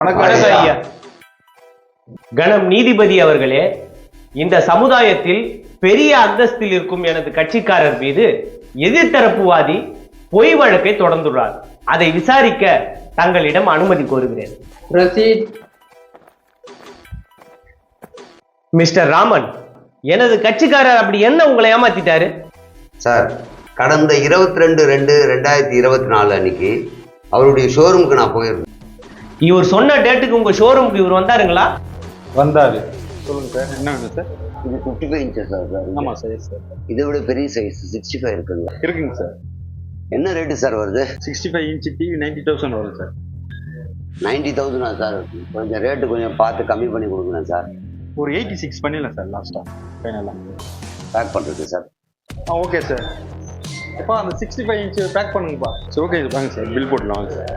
வணக்கம் ஐயா. கணம் நீதிபதி அவர்களே, இந்த சமுதாயத்தில் பெரிய அந்தஸ்தில் இருக்கும் எனது கட்சிக்காரர் மீது எதிர்த்தரப்புவாதி பொய் வழக்கை தொடர்ந்துள்ளார். அதை விசாரிக்க தங்களிடம் அனுமதி கோருகிறேன். மிஸ்டர் ராமன், எனது கட்சிக்காரர் அப்படி என்ன உங்களை ஏமாத்திட்டாரு? சார், கடந்த 22/2/2024 அன்னைக்கு அவருடைய ஷோரூமுக்கு நான் போயிருந்தேன். இவர் சொன்ன டேட்டுக்கு உங்க ஷோரூமுக்கு இவர் வந்தாருங்களா? வந்தாரு. சொல்லுங்க சார், என்ன வேணும் சார்? இது 55 இன்ச்சஸ் சார். ஆமாம் சார். சார் இதை விட பெரிய சைஸ் 65 இருக்குங்களா? இருக்குங்க சார். என்ன ரேட்டு சார் வருது? 65 இன்ச் டிவி 90,000 வரும் சார். 90,000 சார். கொஞ்சம் ரேட்டு கொஞ்சம் பார்த்து கம்மி பண்ணி கொடுக்குறேன் சார். ஒரு 86 பண்ணிடலாம் சார் லாஸ்ட்டாக ஃபைனலாக. பேக் பண்ணுறது சார். Okay sir. அப்பா அந்த 65 இன்ச் பேக் பண்ணுங்கப்பா. சரி ஓகே வாங்க சார், பில் போட்டுலாம் வாங்க சார்.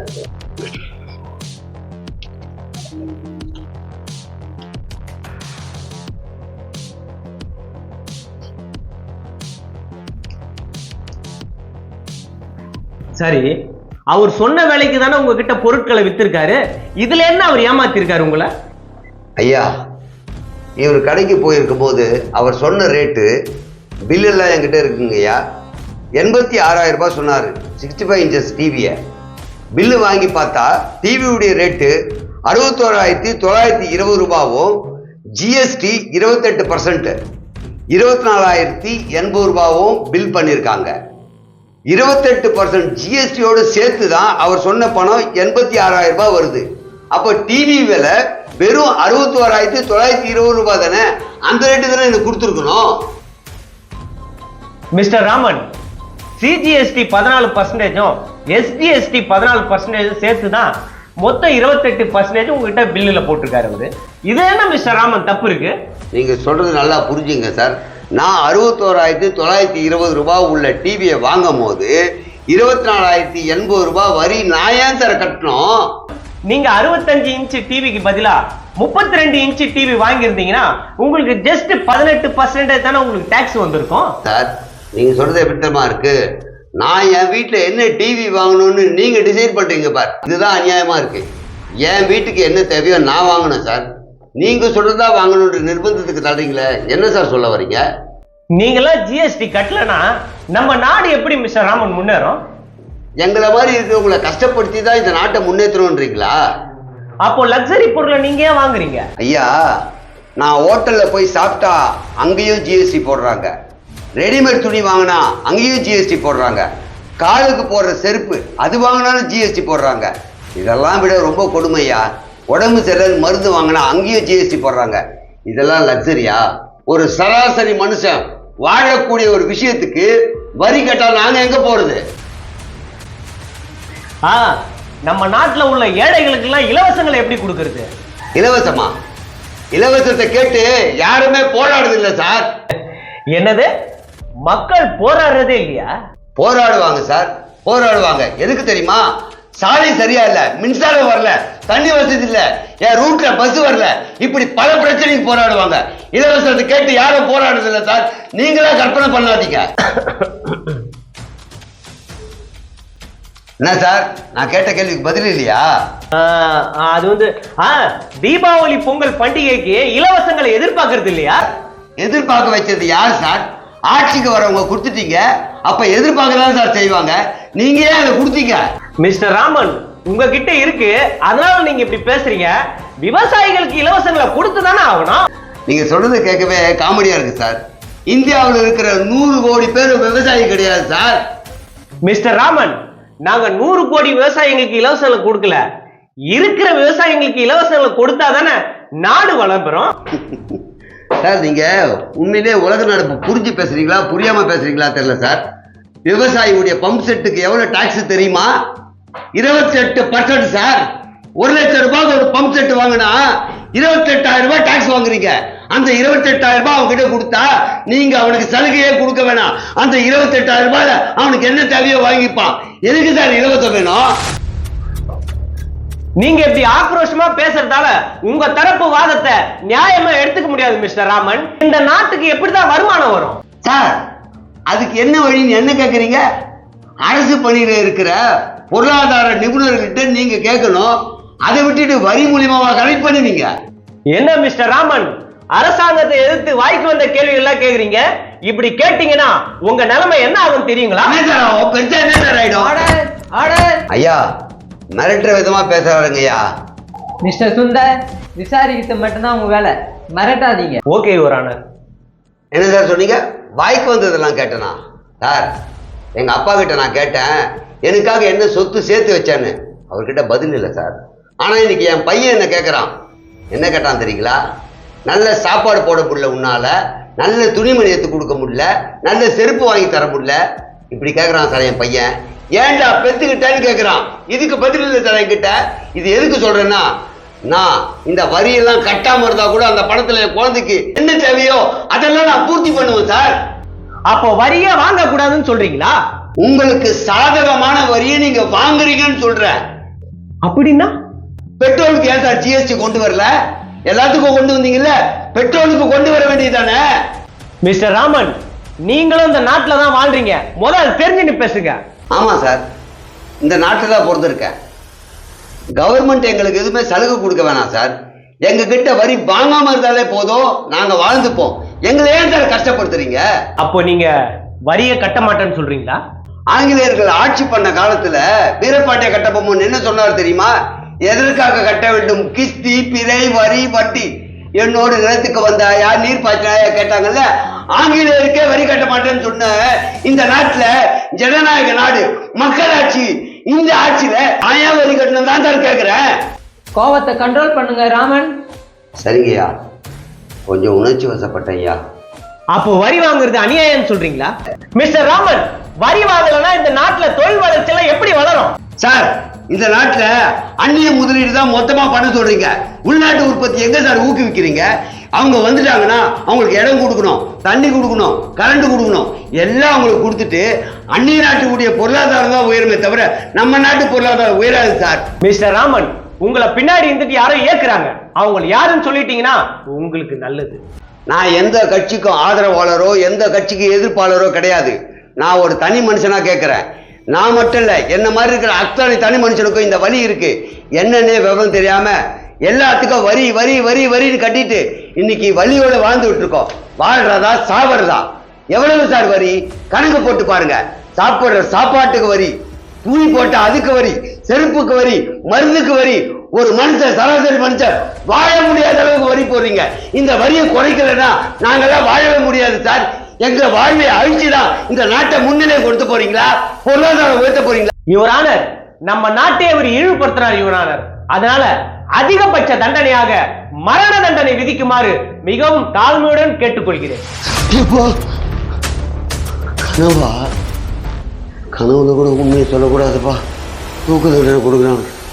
சரி, அவர் சொன்ன வேலைக்கு தானே உங்ககிட்ட பொருட்களை வித்திருக்காரு. இதுல என்ன அவர் ஏமாத்திருக்காரு உங்களை? ஐயா, இவர் கடைக்கு போயிருக்கும் போது அவர் சொன்ன ரேட்டு பில் எல்லாம் என்கிட்ட இருக்குங்க ஐயா. 86,000 ரூபாய் சொன்னார் 65 இன்ச்சஸ் டிவியை. பில்லு வாங்கி பார்த்தா டிவியுடைய ரேட்டு 61,920 ரூபாவும் ஜிஎஸ்டி 28% 24,080 ரூபாவும் பில் பண்ணியிருக்காங்க. 28% ஜிஎஸ்டியோடு சேர்த்து தான் அவர் சொன்ன பணம் 86,000 ரூபாய் வருது. அப்போ டிவி விலை வெறும் 61,920 ரூபாய் தானே. அந்த ரேட்டு தானே எனக்கு கொடுத்துருக்கணும். மிஸ்டர் ராமன், சிஜிஎஸ்டி 14%, எஸ்டிஎஸ்டி 14% சேர்த்து தான் மொத்தம் 28% உங்ககிட்ட பில்லுல போட்டிருக்காரு அவரு. இது என்ன மிஸ்டர் ராமன் தப்பு இருக்கு? நீங்க சொல்றது நல்லா புரிஞ்சுங்க சார். நான் 61,920 ரூபாய் உள்ள டிவியை வாங்கும் போது 24,080 ரூபாய் வரி நான் ஏன் சார் கட்டணும்? நீங்க 65 இன்ச் டிவிக்கு பதிலா 32 இன்ச் டிவி வாங்கியிருந்தீங்கன்னா உங்களுக்கு ஜஸ்ட் 18% தானே உங்களுக்கு டாக்ஸ் வந்திருக்கும். சார், நீங்க சொல்றது எப்படிமா இருக்கு? நான் என் வீட்டுல என்ன டிவி வாங்கணும்னு நீங்க டிசைட் பண்றீங்க பார். இதுதான் அநியாயமா இருக்கு. என் வீட்டுக்கு என்ன தேவையோ நான் வாங்கணும் சார். நீங்க சொல்றதா வாங்கணும்ன்ற நிர்பந்தத்துக்கு தள்ளுறீங்களே, என்ன சார் சொல்ல வரீங்க? நீங்களாம் ஜிஎஸ்டி கட்டலனா நம்ம நாடு எப்படி மிஸ்டர் ராமன் முன்னேறும்? எங்களை மாதிரி இருக்கிறவங்களை கஷ்டப்படுத்தி தான் இந்த நாட்டை முன்னேற்றணும்ன்றீங்களா? அப்போ லக்ஸரி பொருளை நீங்க ஏன் வாங்குறீங்க? ஐயா, நான் ஹோட்டல்ல போய் சாப்பிட்டா அங்கேயும் ஜிஎஸ்டி போடுறாங்க. ரெடிமேட் துணி வாங்கினா அங்கேயும் ஜிஎஸ்டி போடுறாங்க. காலுக்கு போடுற செருப்பு அது வாங்கினாலும் ஜிஎஸ்டி போடுறாங்க. இதெல்லாம் விட ரொம்ப கொடுமையா, உடம்பு சரியில்லை மருந்து வாங்கினா அங்கேயும் ஜிஎஸ்டி போடுறாங்க. இதெல்லாம் லக்ஸரியா? ஒரு சராசரி மனுஷன் வாழக்கூடிய ஒரு விஷயத்துக்கு வரி கட்டா நாங்க எங்க போறது? நம்ம நாட்டுல உள்ள ஏழைகளுக்கு எல்லாம் இலவசங்களை எப்படி கொடுக்கறது? இலவசமா? இலவசத்தை கேட்டு யாருமே போராடுறது இல்ல சார். என்னது, மக்கள் போராடுறதே இல்லையா? போராடுவாங்க சார், போராடுவாங்க. எதுக்கு தெரியுமா? சாலை சரியா இல்ல, மின்சாரம் வரல, தண்ணி வசதி இல்ல, என் ரூட்ல பஸ் வரல, இப்படி பல பிரச்சனைக்கு போராடுவாங்க. இலவசத்தை கேட்டு யாரும் போராடுறது இல்ல சார். நீங்களா கற்பனை பண்ணாதீங்க. என்ன சார், நான் கேட்ட கேள்விக்கு பதில் இல்லையா? அது வந்து தீபாவளி பொங்கல் பண்டிகைக்கு இலவசங்களை எதிர்பார்க்கறது இல்லையா? எதிர்பார்க்க வச்சது யார் சார்? ஆட்சிக்கு வரவங்க கொடுத்துட்டீங்க. அப்ப எதிர்பார்க்கதான் சார் செய்வாங்க. நீங்க ஏன் அதை கொடுத்தீங்க? மிஸ்டர் ராமன், உங்ககிட்ட இருக்கு, அதனால நீங்க இப்படி பேசுறீங்க. விவசாயிகளுக்கு இலவசங்களை கொடுத்து தானே ஆகணும். நீங்க சொல்றது கேட்கவே காமெடியா இருக்கு சார். இந்தியாவில் இருக்கிற 100 கோடி பேர் விவசாயி கிடையாது சார். மிஸ்டர் ராமன், நாங்க 100 கோடி விவசாயிகளுக்கு இலவசங்களை கொடுக்கல. இருக்கிற விவசாயிகளுக்கு இலவசங்களை கொடுத்தா தானே நாடு வளர்ப்புறோம். சார், நீங்க உண்மையிலே உலக நடப்பு புரிஞ்சு பேசுறீங்களா புரியாம பேசுறீங்களா தெரியல சார். விவசாயியுடைய பம்ப் செட்டுக்கு எவ்வளவு டாக்ஸ் தெரியுமா? 28% சார். 1 லட்சம் ரூபாய்க்கு ஒரு பம்ப் செட் வாங்கினா 28,000 ரூபாய் டாக்ஸ் வாங்குறீங்க. அந்த 28,000 ரூபாய் அவங்ககிட்ட கொடுத்தா நீங்க அவனுக்கு சலுகையே கொடுக்க வேணாம். அந்த 28,000 ரூபாயில அவனுக்கு என்ன தேவையோ வாங்கிப்பான். எதுக்கு சார் இலவசம் வேணும்? நீங்க இப்படி ஆக்ரோஷமா பேசுறதால உங்க தரப்பு வாதத்தை நியாயமா எடுத்துக்க முடியாது மிஸ்டர் ராமன். இந்த நாட்டுக்கு எப்படிதான் வருமானம் வரும்? சார், அதுக்கு என்ன வழின்னு என்ன கேட்குறீங்க? அரசு பணியில இருக்கிற பொருளாதார நிபுணர்கிட்ட நீங்க கேட்கணும். அதை விட்டுட்டு வரி மூலியமாவா கலெக்ட் பண்ணுவீங்க? என்ன மிஸ்டர் ராமன், அரசாங்கத்தை எதிர்த்து வாய்க்கு வந்த கேள்வி எல்லாம் கேக்குறீங்க? இப்படி கேட்டீங்கன்னா உங்க நிலைமை என்ன ஆகும் தெரியுங்களா? பெருசா என்ன சார் ஆயிடும்? ஐயா மிரட்டுற விதமா பேசுறாருங்க ஐயா. மிஸ்டர் சுந்தர், விசாரிக்கிறது மட்டும்தான் உங்க வேலை, மிரட்டாதீங்க. Okay your honour. என்ன சார் சொன்னீங்க? வாய்க்கு வந்ததெல்லாம் கேட்டனா சார்? எங்க அப்பா கிட்ட நான் கேட்டேன் எனக்காக என்ன சொத்து சேர்த்து வச்சான்னு. அவர்கிட்ட பதில் இல்லை சார். ஆனா இன்னைக்கு என் பையன் என்ன கேட்கறான். என்ன கேட்டான் தெரியுங்களா? நல்ல சாப்பாடு போட முடியல உன்னால, நல்ல துணிமணி எடுத்து கொடுக்க முடியல, நல்ல செருப்பு வாங்கி தர முடியல, இப்படி கேட்கறான் சார் என் பையன். ஏன்டா பெத்துக்கிட்டேன்னு கேட்கறான். இதுக்கு பதில் இல்லை சார் என்கிட்ட. இது எதுக்கு சொல்றேன்னா, நான் இந்த வரியெல்லாம் கட்டாம இருந்தா கூட அந்த பணத்துல என் குழந்தைக்கு என்ன தேவையோ அதெல்லாம் நான் பூர்த்தி பண்ணுவேன் சார். அப்போ வரியே வாங்க கூடாதுன்னு சொல்றீங்களா? உங்களுக்கு சாதகமான வரியை நீங்க வாங்குறீங்கன்னு சொல்றேன். அப்படின்னா பெட்ரோலுக்கு ஏன் சார் ஜிஎஸ்டி கொண்டு வரல? எல்லாத்துக்கும் கொண்டு வந்தீங்கல்ல, பெட்ரோலுக்கு கொண்டு வர வேண்டியதானே? மிஸ்டர் ராமன், நீங்களும் இந்த நாட்டுல தான் வாழ்றீங்க, முதல்ல தெரிஞ்சுன்னு பேசுங்க. ஆமா சார், இந்த நாட்டில் தான் பிறந்திருக்கேன். கவர்மெண்ட் எங்களுக்கு எதுவுமே சலுகை கொடுக்க வேணாம் சார். எங்க கிட்ட வரி வாங்காம இருந்தாலே போதும், நாங்க வாழ்ந்துப்போம். எங்களை ஏன் சார் கஷ்டப்படுத்துறீங்க? அப்போ நீங்க வரியை கட்ட மாட்டேன்னு சொல்றீங்களா? ஆங்கிலேயர்கள் ஆட்சி பண்ண காலத்துல வீரபாண்டிய கட்டபொம்மன் என்ன சொன்னார் தெரியுமா? எதற்காக கட்ட வேண்டும்? கிஸ்தி, பிறை, வரி, வட்டி. என்னோடு நிலத்துக்கு வந்தாயா, நீர் பாய்ச்சினாயா கேட்டாங்கல்ல. ஆங்கிலேயருக்கே வரி கட்ட மாட்டேன்னு சொன்ன இந்த நாட்டுல ஜனநாயக நாடு, மக்களாட்சி. இந்த ஆட்சியில ஆயா வரி கட்டணும் தான் சார் கேட்கிறேன். கோவத்தை கண்ட்ரோல் பண்ணுங்க ராமன். சரிங்கய்யா, கொஞ்சம் உணர்ச்சி வசப்பட்டய்யா. அப்போ வரி வாங்குறது அநியாயம் சொல்றீங்களா? மிஸ்டர் ராமன், வரி வாங்கலன்னா இந்த நாட்டுல தொழில் வளர்ச்சி எல்லாம் எப்படி வளரும்? சார், இந்த நாட்டுல அந்நிய முதலீடு தான் மொத்தமா பண்ண சொல்றீங்க. உள்நாட்டு உற்பத்தி எங்க சார் ஊக்குவிக்கிறீங்க? அவங்க வந்துட்டாங்கன்னா அவங்களுக்கு இடம் கொடுக்கணும், தண்ணி கொடுக்கணும், கரண்ட் கொடுக்கணும், எல்லாம் அவங்களுக்கு கொடுத்துட்டு அந்நிய நாட்டுடைய பொருளாதாரம் தான் உயருமே தவிர நம்ம நாட்டு பொருளாதாரம் உயராது சார். மிஸ்டர் ராமன், உங்களை பின்னாடி இருந்துட்டு யாரோ ஏக்குறாங்க. அவங்க யாருன்னு சொல்லிட்டீங்கன்னா உங்களுக்கு நல்லது. நான் எந்த கட்சிக்கும் ஆதரவாளரோ எந்த கட்சிக்கு எதிர்ப்பாளரோ கிடையாது. நான் ஒரு தனி மனுஷனா கேட்கிறேன். நான் மட்டும் இல்ல, என்ன மாதிரி இருக்கிற அத்தனை தனி மனுஷனுக்கும் இந்த வலி இருக்கு. என்னன்னே விவரம் தெரியாம எல்லாத்துக்கும் வரி வரி வரி வரின்னு கட்டிட்டு இன்னைக்கு வலியோட வாழ்ந்துட்டு இருக்கோம். வாழ்றதா சாவறதா? எவ்வளவு சார் வரி? கணக்கு போட்டு பாருங்க. சாப்பிடுற சாப்பாட்டுக்கு வரி, துணி போட்ட அதுக்கு வரி, செருப்புக்கு வரி, மருந்துக்கு வரி. ஒரு மனுஷன், சராசரி மனுஷன் வாழ முடியாத அளவுக்கு வரி போடுறீங்க. இந்த வரியை குறைக்கலன்னா நாங்கெல்லாம் வாழவே முடியாது சார். எங்க வாழ்வை அழிச்சுதான் இந்த நாட்டை முன்னிலை கொடுத்து போறீங்களா? பொருளாதாரம் உயர்த்த போறீங்களா? யுவர் ஆனர், நம்ம நாட்டை அவர் இழிவுபடுத்துறார் யுவர் ஆனர். அதனால அதிகபட்ச தண்டனையாக மரண தண்டனை விதிக்குமாறு மிகவும் தாழ்மையுடன் கேட்டுக்கொள்கிறேன். கனவா? கனவுல கூட உண்மையை சொல்லக்கூடாதுப்பா. தூக்கு தண்டனை கொடுக்குறாங்க.